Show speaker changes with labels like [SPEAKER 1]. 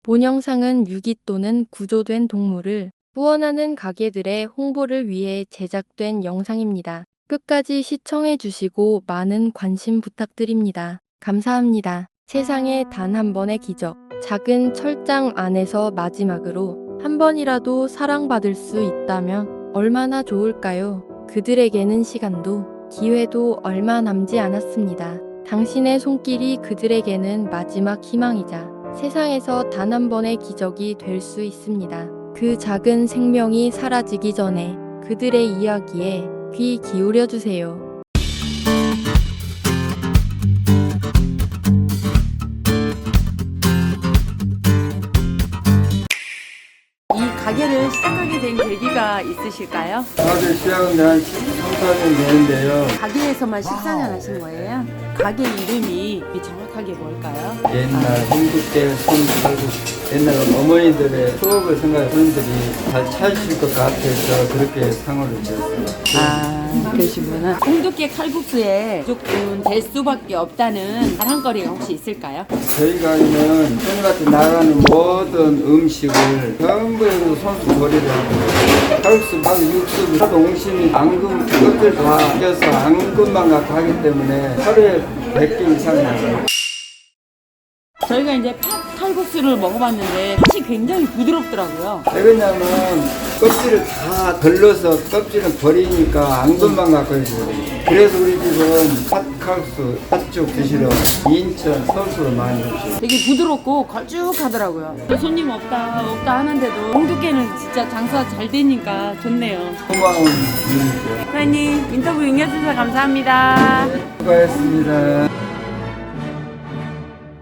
[SPEAKER 1] 본 영상은 유기 또는 구조된 동물을 후원하는 가게들의 홍보를 위해 제작된 영상입니다. 끝까지 시청해 주시고 많은 관심 부탁드립니다. 감사합니다. 세상에 단 한 번의 기적. 작은 철장 안에서 마지막으로 한 번이라도 사랑받을 수 있다면 얼마나 좋을까요? 그들에게는 시간도 기회도 얼마 남지 않았습니다. 당신의 손길이 그들에게는 마지막 희망이자 세상에서 단 한 번의 기적이 될 수 있습니다. 그 작은 생명이 사라지기 전에 그들의 이야기에 귀 기울여 주세요.
[SPEAKER 2] 이 가게를 시작하게 된 계기가 있으실까요?
[SPEAKER 3] 가게 시작은 한 13년 되는데요.
[SPEAKER 2] 가게에서만 14년 하신 거예요? 가게 이름이 정확하게 뭘까요?
[SPEAKER 3] 옛날 한국계 손칼국 옛날 어머니들의 추억을 생각해 손님들이 잘 찾으실 것 같아서 그렇게 상호를 지었어요.
[SPEAKER 2] 아, 그러시구나. 홍두깨 칼국수에 무조건 될 수밖에 없다는 자랑거리가 혹시 있을까요?
[SPEAKER 3] 저희 가게는 손님한테 나가는 모든 음식을 전부 손수 조리를 하고 칼국수, 밥, 육수, 하도 옹심이, 앙금 그것들 다 껴서 앙금만 갖고 하기 때문에 하루에 100개 이상 나가요.
[SPEAKER 2] 저희가 이제 팥 칼국수를 먹어봤는데 팥이 굉장히 부드럽더라고요.
[SPEAKER 3] 왜 그러냐면 껍질을 다 덜러서 껍질은 버리니까 앙금만 갖고 있어요. 그래서 우리 집은 팥칼국수, 팥죽 드시러 인천, 서울로 많이 오시죠.
[SPEAKER 2] 되게 부드럽고 걸쭉하더라고요. 손님 없다 하는데도 홍두깨는 진짜 장사 잘 되니까 좋네요.
[SPEAKER 3] 고마운 분이죠.
[SPEAKER 2] 사장님 인터뷰 응해주셔서 감사합니다.
[SPEAKER 3] 수고하셨습니다.